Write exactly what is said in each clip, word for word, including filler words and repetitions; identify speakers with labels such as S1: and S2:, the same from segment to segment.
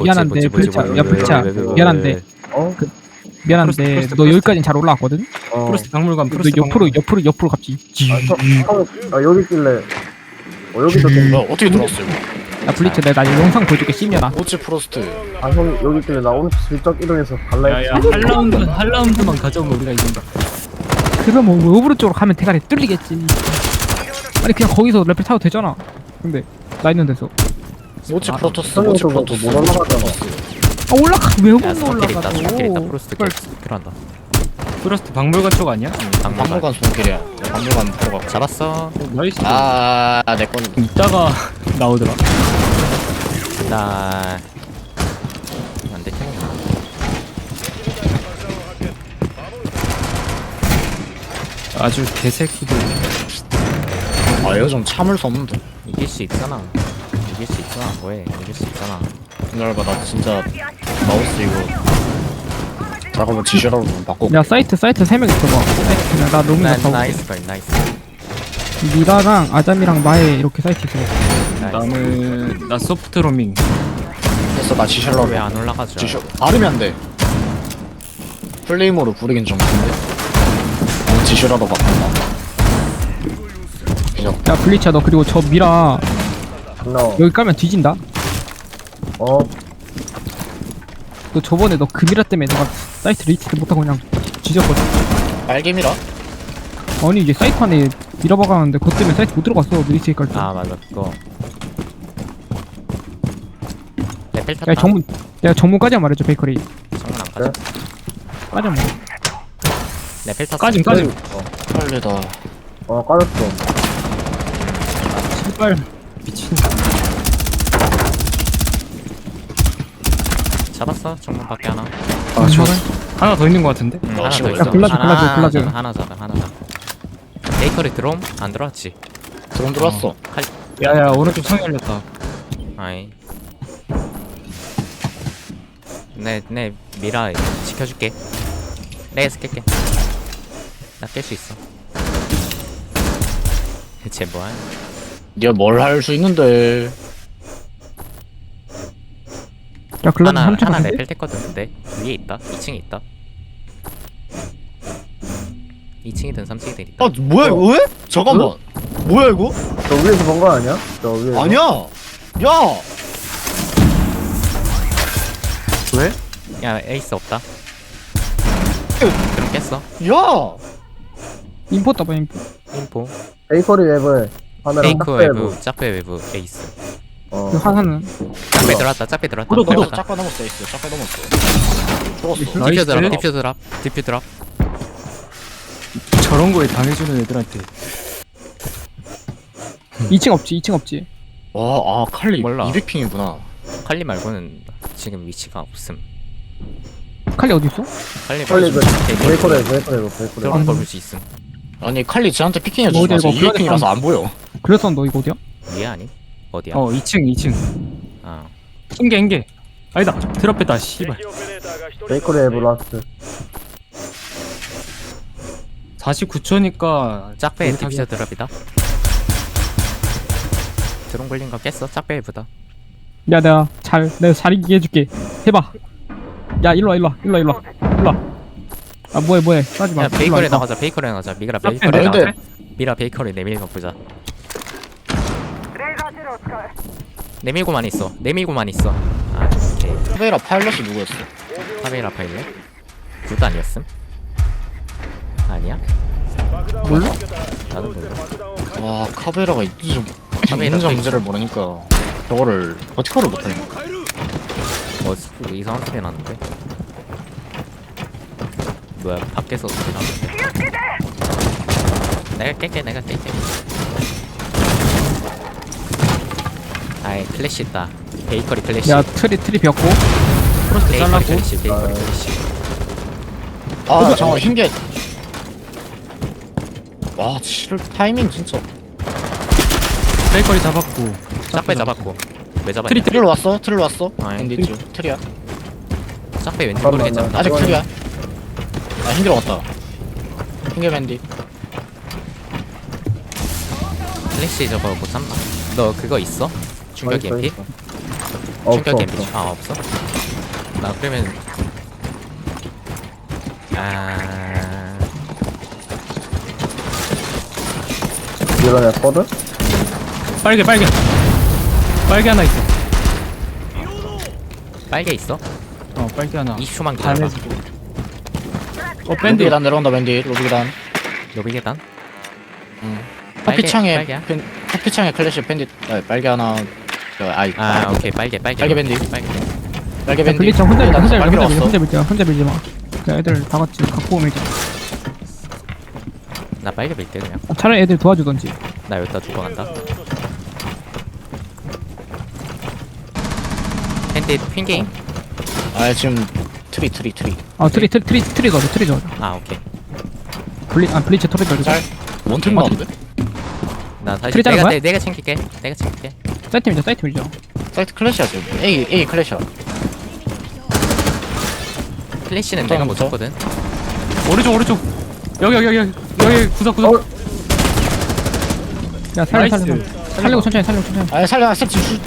S1: 미안한데
S2: 뭐지, 뭐지,
S1: 불차
S2: 뭐지,
S1: 야
S2: 왜,
S1: 불차
S2: 왜, 왜, 왜, 왜,
S1: 미안한데
S2: 왜.
S3: 어?
S1: 미안한데
S4: 프로스트,
S1: 너
S4: 프로스트.
S1: 여기까지는 잘 올라왔거든?
S3: 어.
S4: 프로스트 박물관
S1: 너
S4: 프로스트
S1: 옆으로 옆으로 옆으로 갑지
S3: 아, 저, 저, 아, 여기 있길래. 어, 여기도 좀.
S5: 뭐야 어떻게 들어왔어 이거?
S1: 야 블리츠 내가 나 영상 보여줄게 씹냐나
S5: 오치 프로스트.
S3: 아, 형, 여기 있길래 나 오늘 슬쩍 이동해서 갈라 했지.
S4: 야야 한 라운드만 한 라운드만 가져오면 우리가 이긴다.
S1: 그러면 뭐 오브로 쪽으로 가면 대가리 뚫리겠지 아니 그냥 거기서 레벨 타도 되잖아 근데 나 있는 데서
S5: 오치
S4: 아,
S5: 프로토스.
S3: 형님
S5: 오치
S3: 저거
S5: 프로토스.
S3: 못 올라가잖아.
S1: 아 올라가 왜
S2: 야
S1: 못
S2: 스킬 있다 스킬 있다
S1: 올라가고
S2: 프로스트
S1: 그걸
S2: 필요한다.
S4: 프로스트 박물관 쪽 아니야?
S2: 박물관
S5: 박물관 손길이야. 박물관 들어가.
S2: 잡았어.
S4: 어, 나이스.
S5: 아내 거는.
S4: 이따가 나오더라.
S2: 나 안돼 태몽.
S4: 아주 개새끼들.
S5: 아 이거 좀 참을 수 없는데.
S2: 이길 수 있잖아. 이길 수 있잖아. 뭐해? 이길 수 있잖아.
S5: 기다려봐 나 진짜 마우스 이거. 잠깐만 지시라로 좀 바꿔.
S1: 야 사이트 사이트 세 명 있어봐 그냥 나 로밍
S2: 나
S1: 잡하고
S2: 나이스 걸 나이스.
S1: 미라랑 아잠이랑 마에 이렇게 사이트 있어
S2: 나이스.
S4: 나는 나 소프트 로밍.
S5: 됐어 나 지시라로.
S2: 왜 안 올라가죠?
S5: 지시. 발음이 안 돼. 플레이모로 부르긴 좀 그런데. 어, 지시라로 바꾼다. 그냥
S1: 야 블리츠야 너 그리고 저 미라
S3: 너,
S1: 여기 까면 뒤진다
S3: 어,
S1: 너 저번에 너 그 미라 때문에 내가 사이트 리치트 못하고 그냥 뒤졌거든
S5: 빨개미라?
S1: 아니 이제 사이트 안에 미라 박았는데 그것 때문에 사이트 못 들어갔어 리치트 깔때
S2: 아 맞아 그거. 레벨 탔다.
S1: 야 정문 내가 정문까지만 말해줘 베이커리
S2: 정문 안 가져.
S1: 까지만 말해
S2: 레벨 탔어.
S4: 까짐 까짐.
S5: 빨리다.
S3: 어, 까졌어.
S4: 제발 미친.
S2: 잡았어. 정문 밖에 하나.
S4: 아 저 하나 더 있는 것 같은데?
S2: 응,
S5: 어,
S2: 하나
S5: 치고
S2: 더
S5: 있어.
S2: 있어.
S1: 야, 골라줘,
S2: 하나,
S1: 골라줘, 골라줘.
S2: 하나, 하나 잡아 하나 잡아. 베이커리 들어옴? 안 들어왔지.
S5: 드론 들어왔어.
S2: 칼.
S4: 야야 오른쪽 창 열렸다.
S2: 아이. 내, 내 미라 지켜줄게. 레이스 깰게. 나 깰 수 있어. 쟤 뭐야?
S5: 네가 뭘 할 수 있는데.
S1: 야 글라즈
S2: 하나,
S1: 삼천
S2: 하나
S1: 같은데?
S2: 레벨 됐거든. 근데 위에 있다. 이 층에 있다. 이 층이든 삼 층이든 있다.
S5: 아 뭐야 이거 왜? 잠깐만. 뭐야 이거?
S3: 저 위에서 본 거 아니야? 저 위에서.
S5: 아니야. 야. 왜?
S2: 야 에이스 없다. 그럼 깼어.
S5: 야.
S1: 인포 떠봐 인포
S2: 인포.
S3: 베이커리 웹을 카메라
S2: 페이크
S3: 딱
S2: 외부,
S3: 웹.
S2: 짝배 외부 에이스.
S3: 어.
S1: 그 하나는
S2: 짝배 들어왔다. 짝배 들어왔다.
S4: 구독, 구독.
S5: 넘었어. 짝가 넘었어. 에이스. 짝가 넘었어. 죽었어.
S4: 나이스.
S2: 디퓨 드랍. 디퓨 드랍. 디퓨 드랍.
S4: 저런 거에 당해주는 애들한테.
S1: 이 층 없지 이 층 없지
S5: 와, 아 칼리
S2: 몰라.
S5: 이백 핑이구나.
S2: 칼리 말고는 지금 위치가 없음.
S1: 칼리 어딨어?
S2: 칼리
S3: 빨리 그,
S2: 베이커리
S3: 베이커리 웹, 베이커리 웹, 베이커리 웹.
S2: 들어온 걸 볼 수 있음.
S5: 아니 칼리 쟤한테 피킹해
S1: 뭐
S5: 주지
S1: 어디
S5: 마세요.
S1: 이거
S5: 이백 핑이라서 안 보여.
S1: 그래서 너 이거 어디야?
S2: 위에 아니? 어디야?
S4: 어 이 층 이 층.
S2: 아.
S4: 흰게 흰게. 아니다 드랍했다 씨발.
S3: 베이커리 웹 라스트.
S4: 사십구 초니까
S2: 짝배 디퓨저 드랍이다. 드론 걸린 거 깼어? 짝배 외부다.
S1: 야 내가 잘 내가 잘 이기게 해줄게 해봐 야 일로와 일로와 일로와 일로와 일로와 아 뭐해 뭐해 싸지마
S2: 야 베이커리 나가자. 베이커리 나가자. 미라
S4: 짝배
S2: 베이커리
S5: 아, 근데-
S2: 나가자. 미라 베이커리 내밀고 보자. 내밀고만 있어. 내밀고만 있어. 아 오케이.
S5: 카베라 파일럿이 누구였어?
S2: 카메라 파일래? 굿 아니었음? 아니야?
S1: 몰라?
S2: 나도 몰라.
S5: 와 카베라가 있지 좀.
S2: 카베라
S5: 문제
S2: 또
S5: 문제를 모르니까 저거를 버티컬을 못하네.
S2: 어 스- 이상한 소리 나는데? 뭐야 밖에서 소리 나는데? 내가 깰게 내가 깰게. 아이 클래시 있다. 베이커리 클래시.
S1: 야 트리 트리 비었고
S4: 프로스트
S2: 베이커리
S4: 잘라고.
S2: 클래시 베이커리 클래시.
S5: 아 잠깐 흰게. 와 칠 타이밍 진짜.
S4: 베이커리 잡았고.
S2: 짝배 잡았고. 왜 잡았냐?
S4: 트리
S5: 트릴 왔어? 트릴 왔어?
S2: 아,
S5: 앤디
S2: 트리-
S5: 쪽 트리야.
S2: 짝배 왠지
S3: 잠깐만,
S2: 모르겠잖아.
S3: 나-
S5: 아직
S3: 이거는-
S5: 트리야. 아 흰게 왔다. 흰게 앤디.
S2: 클래시 저거 못 참나? 너 그거 있어? 충격
S3: 있어,
S2: 이엠피?
S3: 있어. 없어
S2: 충격
S3: 없어.
S2: 데미지. 아 없어? 나 그러면 아
S3: 밀어냈거든?
S4: 빨개 빨개. 빨개 하나 있어.
S2: 빨개 있어?
S4: 어 빨개 하나.
S2: 이십 초만 기다려봐.
S4: 반해주고. 어
S5: 밴드
S4: 밴드.
S5: 계단 내려온다 밴드 로비 계단
S2: 로비 계단?
S5: 커피
S2: 빨개,
S5: 창에
S2: 빨개야?
S5: 밴- 커피 창에 클래시 밴드 아, 빨개 하나 저, 아이
S2: 아 오케이 빨개 빨개.
S5: 빨개 밴드.
S2: 빨개.
S5: 빨개
S1: 야,
S5: 밴드
S1: 블리츠 혼자 밀
S5: 계단
S1: 혼자 밀
S5: 빨개로
S1: 혼자 밀
S5: 왔어.
S1: 혼자 밀지 마 혼자 밀지 마. 야, 애들 다 같이 갖고 오면 돼.
S2: 나 빨개 밀게 그냥.
S1: 차라리 애들 도와주던지.
S2: 나 여기다 두고 간다. 핸드 핑게임?
S5: 아 지금 트리 트리 트리
S1: 아 트리 트리 트리 트리 넣어줘 트리 넣어줘.
S2: 아 오케이.
S1: 블리 아 블리츠 터리 넣어줘.
S5: 짤 원팀
S1: 어,
S5: 나오는데?
S2: 나 다시
S1: 트리 자른
S2: 내가
S1: 거야?
S2: 내, 내가 챙길게. 내가 챙길게.
S1: 사이트밀죠 사이트밀죠.
S5: 사이트 클래시야 지금 A A 클래시야
S2: 플래시는
S5: 어떤
S2: 내가 못
S5: 거죠?
S2: 쳤거든.
S4: 오른쪽 오른쪽. 여기 여기 여기 여기 여기 구석 구석.
S3: 어?
S1: 야 살려
S4: 나이스.
S1: 살려 살리고 천천히 살리고 천천히.
S5: 아 살려 셉치 슛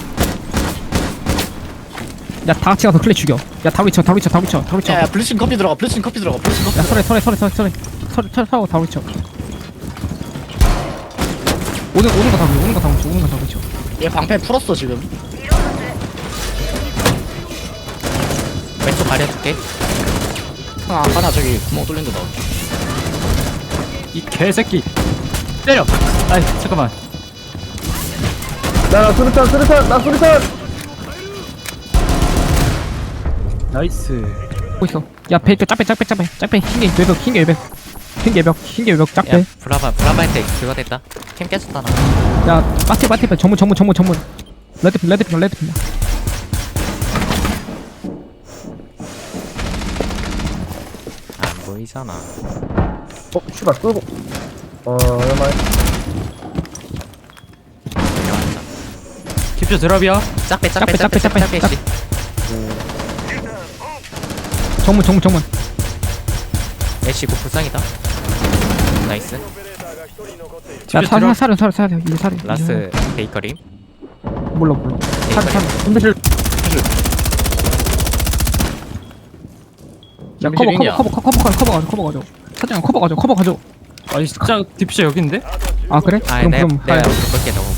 S1: 야 다 같이 가서 클레 죽여. 야 다루쳐 다루쳐 다루쳐 다루쳐.
S5: 야, 야 블리칭 커피 들어가 블리칭 커피 들어가 블리칭 커피
S1: 야 서래 서래 서래 서래 서래 서래 서래 서고 다루쳐. 오는 오는 거 다루쳐 오는 거 다루쳐 오는 거 다루쳐.
S5: 얘 방패 풀었어 지금
S2: 왼쪽 가려줄게.
S5: 아 하나 저기 구멍 뚫린 데 나와
S4: 이 개새끼. 때려. 아이 잠깐만.
S3: 야나 수류탄 수류탄 나 수류탄.
S4: 나이스.
S1: 보고 있어. 야 배쪽 짝배 짝배 짝배 짝배 흰개 외벽 흰개 외벽 흰개 외벽 흰개 외벽
S2: 야
S1: 짝배.
S2: 브라바 브라바한테 그거 됐다. 캠 깨졌다 나.
S1: 야 마티 마티 배 전문 전문 전문 전문. 레드핀 레드핀 레드핀.
S2: 안 보이잖아.
S3: 어 씨발 끄고. 어 얼마야?
S2: 내려왔다.
S4: 킵쇼 드랍이야.
S2: 짝배
S1: 짝배,
S2: 짝배
S1: 짝배,
S2: 짝배 짝배
S1: 짝배,
S2: 씨.
S1: 정문 정문 정문.
S2: 애쉬 곧 불쌍이다. 나이스.
S1: 야 사, 사, 사려 사려 사려 이제 사려. 이제
S2: 라스 베이커리.
S1: 사려. 몰라 몰라. 사려 사려.
S4: 근데를
S1: 야 커버 커버
S5: 링이야.
S1: 커버 커버 커버 가져 커버 가져 커버 가져. 사장 커버 가져 커버 가져.
S4: 아니 진짜 딥쇼 여기인데?
S1: 아 그래?
S2: 아
S1: 그럼
S2: 내가
S1: 그럼
S2: 내가
S1: 가야.
S2: 볼게 너무.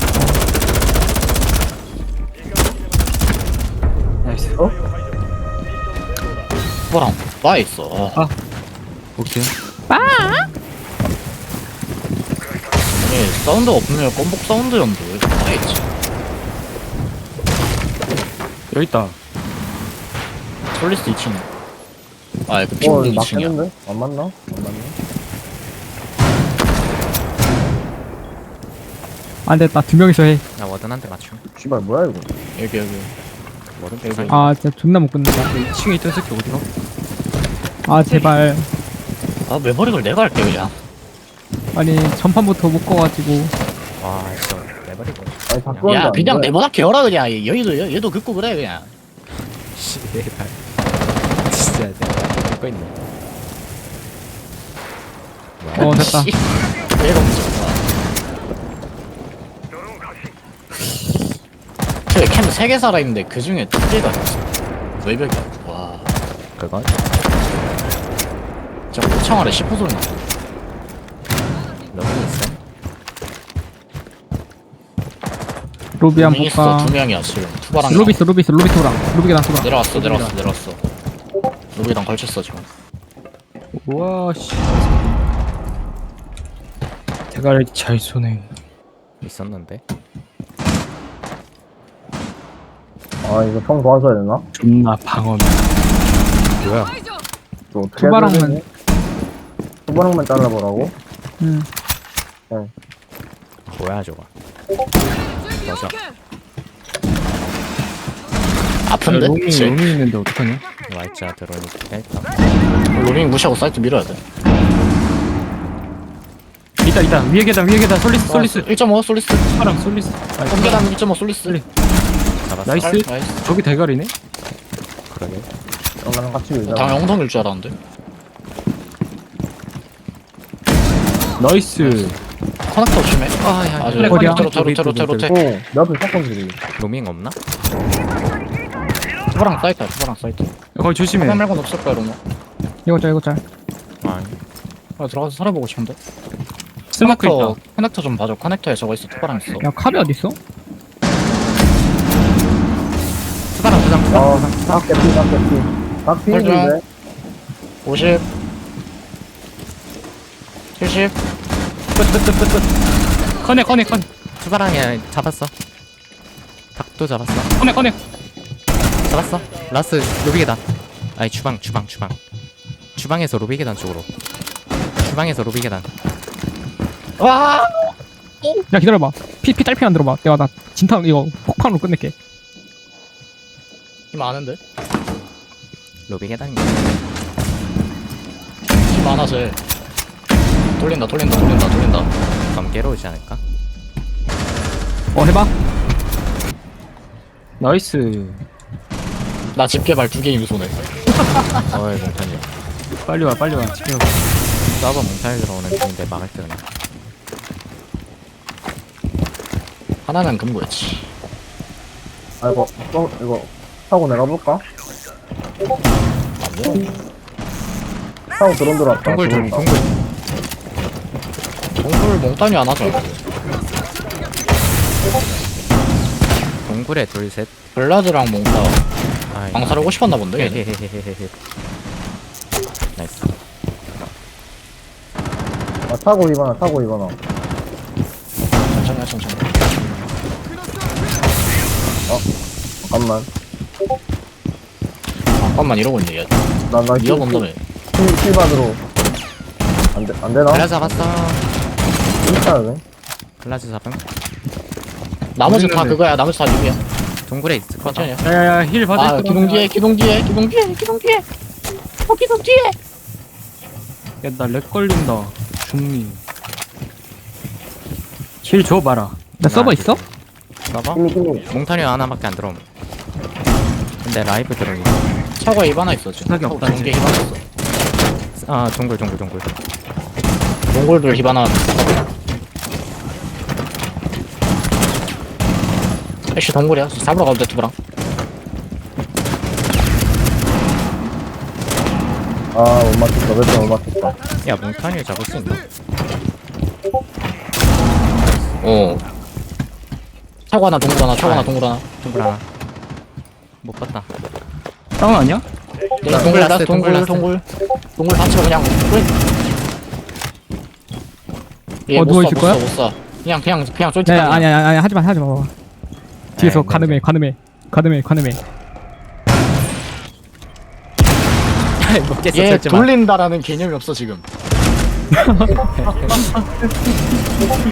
S4: 나이스.
S5: 뭐랑 나 있어 아.
S4: 오케이.
S5: 예, 사운드가 없으면 껌복 사운드였는데 왜 나에 있지
S4: 여기 있다.
S5: 솔리스 이 층 아, 그
S3: 어
S5: 핑크 이 층이야
S3: 맞겠는데? 안 맞나? 안 맞나?
S1: 안돼 나 두 명이서 해.
S2: 나 워든 한 대 맞춤.
S3: 씨발 뭐야 이거?
S5: 여기 여기
S2: 워든
S5: 여기.
S2: 불쌍.
S1: 아 진짜 존나 못 끝낸다.
S4: 이 층에 있던 새끼 어디가?
S1: 아 제발.
S5: 아 메모릭을 내가 할게 그냥
S1: 아니 전판부터 못 꺼가지고.
S2: 와 진짜 내버리고.
S3: 아니 자꾸
S5: 야
S3: 한다,
S5: 그냥
S3: 뭐야?
S5: 내보다 개어라 그냥 얘도 얘- 얘도 긋고 그래 그냥
S2: 씨발. 진짜 내가 듣고 있네.
S1: 어 됐다.
S5: 씨, 얘가 문제구나 저캠 세 개 살아있는데 그 중에 두 개가 외벽이야 와
S2: 그건
S5: 진짜 고창 아래 십 호 소리 나
S2: 너무 있어.
S1: 로비 한
S5: 두 명 있어
S1: 볼까?
S5: 두 명이야 지금 투바랑
S1: 로비 있어 로비 있어 로비 토랑 로비가 나서라.
S5: 내려왔어 내려왔어 내려왔어 로비랑 걸쳤어 지금
S4: 우와 씨. 대가리 잘 쏘네.
S2: 있었는데.
S3: 아 이거 총 도와줘야 되나?
S4: 존나 방어맨. 뭐야?
S3: 또 어떻게
S1: 투바랑만.
S3: 해야 되지? 투바랑만 잘라보라고?
S1: 응.
S2: 뭐야 저거. 맞아.
S5: 아픈데?
S4: 로밍
S5: 그치?
S4: 로밍 있는데 어떡하냐?
S2: 와이자 들어오니까 일단.
S5: 로밍 무시하고 사이트 밀어야 돼
S4: 있다 있다 위에 계단 위에 계단 솔리스 솔리스.
S5: 일 점 오 솔리스
S4: 파랑 솔리스.
S5: 공계단 일 점 오 솔리스
S2: 잡았어.
S4: 나이스.
S5: 나이스
S4: 저기 대가리네?
S2: 그러게.
S3: 나랑 같이 밀자.
S5: 당연 엉덩이일 줄 알았는데
S4: 나이스.
S5: 커넥터 조심해
S2: 아야.
S5: 아주
S1: 어디야?
S5: 로테 로테 로테 로테 로테
S3: 오, 내 앞에 샷건 들이.
S2: 로밍 없나?
S5: 투바랑 사이트야 투바랑 사이트.
S4: 거기 조심해.
S5: 화면 말고는 없을 거야 로마.
S1: 이거 짤 이거 짤.
S2: 아니
S5: 아, 들어가서 살아보고 싶은데.
S4: 스모크
S5: 커넥터
S4: 있다.
S5: 커넥터 좀 봐줘. 커넥터에 저거 있어. 투바랑 있어.
S1: 야 카베 어디 있어?
S2: 투바랑 두장 투바
S3: 어, 딱 개피, 딱 개피. 딱 피인데.
S5: 오십 칠십
S4: 끝끝끝끝. 커넥 커넥 커넥
S2: 투바랑이 잡았어 닭도 잡았어
S4: 커넥 커넥.
S2: 잡았어 라스 로비 계단 아니 주방 주방 주방 주방에서 로비 계단 쪽으로 주방에서 로비 계단
S5: 와
S1: 야 기다려봐. 피 피 딸피 안 들어봐. 내가 나 진탕 이거 폭탄으로 끝낼게.
S5: 힘 많은데?
S2: 로비 계단인
S5: 힘 많아 쟤. 돌린다 돌린다 돌린다 돌린다.
S2: 검게로 오지 않을까?
S1: 어 해봐.
S4: 나이스.
S5: 나 집게발 두 개 임소네.
S2: 어이 몽탄이
S4: 빨리 와 빨리 와. 지켜.
S2: 서버 몽탄이 들어오는 중인데 막을 때 그냥
S5: 하나는 금고였지.
S3: 아이고, 어, 이거 타고 내가볼까? 타고 드론 들어왔다.
S2: 동굴 좀
S3: 들어온다.
S2: 동굴
S5: 동굴 몽타뉴 안 하죠.
S2: 동굴에 둘셋
S5: 블라드랑 몽타
S2: 아이
S5: 방사르고 싶었나 본데. 얘네.
S2: 헤헤헤헤헤 나이스
S3: 아, 타고 이거나, 타고 이거나.
S5: 천천히 해, 천천히.
S3: 잠깐만.
S5: 잠깐만 이러고 있네 얘.
S3: 나, 나,
S5: 이어 본다며.
S3: 킬, 킬받으로. 안 돼, 안 되나?
S2: 글라즈 잡았어
S3: 진짜 돼?
S2: 글라즈 잡음
S5: 나머지 다
S4: 우리는-
S5: 그거야. 나머지 다 리뷰야.
S2: 동굴에 있을 거다
S5: 천천히. 해.
S4: 야야야 힐 받을
S5: 아
S4: 거다.
S5: 기둥 뒤에 기둥 뒤에 기둥 뒤에 기둥 뒤에. 어 기둥 뒤에.
S4: 야나 렉 걸린다. 중리. 힐 줘봐라.
S1: 나 서버 있어?
S2: 서버?
S3: 힘이, 힘이.
S2: 몽타뉴 하나밖에 안 들어옴 근데 라이브 들어오기
S5: 차고에 입 하나 있어 지금.
S4: 생각이
S5: 차고
S4: 없다,
S5: 중계
S4: 이제.
S5: 입 하나 있어.
S2: 아 동굴 동굴 동굴
S5: 몽골들 입 하나. 애쉬 동굴이야. 잡으러 가도 돼 두부랑.
S3: 아, 못 맞췄다. 몇점못 맞췄다.
S2: 야 몽타뉴 잡을 수 있나?
S5: 어. 차고 하나 동굴 하나. 차고 하나
S2: 아.
S5: 동굴 하나.
S2: 동굴 하나 못 봤다
S4: 다운 아니야?
S5: 네,
S2: 동굴
S5: 동굴
S2: 라스트,
S5: 라스트 동굴
S2: 동굴
S5: 동굴 동굴 다 치고 그냥 얘
S1: 어,
S5: 못
S1: 누워
S5: 쏴,
S1: 있을
S5: 못
S1: 거야?
S5: 쏴, 못 쏴. 그냥 그냥 그냥 쫄지
S1: 야 아니 아니 아니 하지마 하지마. 뒤에서
S2: 에이,
S1: 가늠해 가늠해 가늠해 가늠해.
S2: 먹겠어
S5: 얘
S2: 절제만
S5: 돌린다라는 개념이 없어 지금.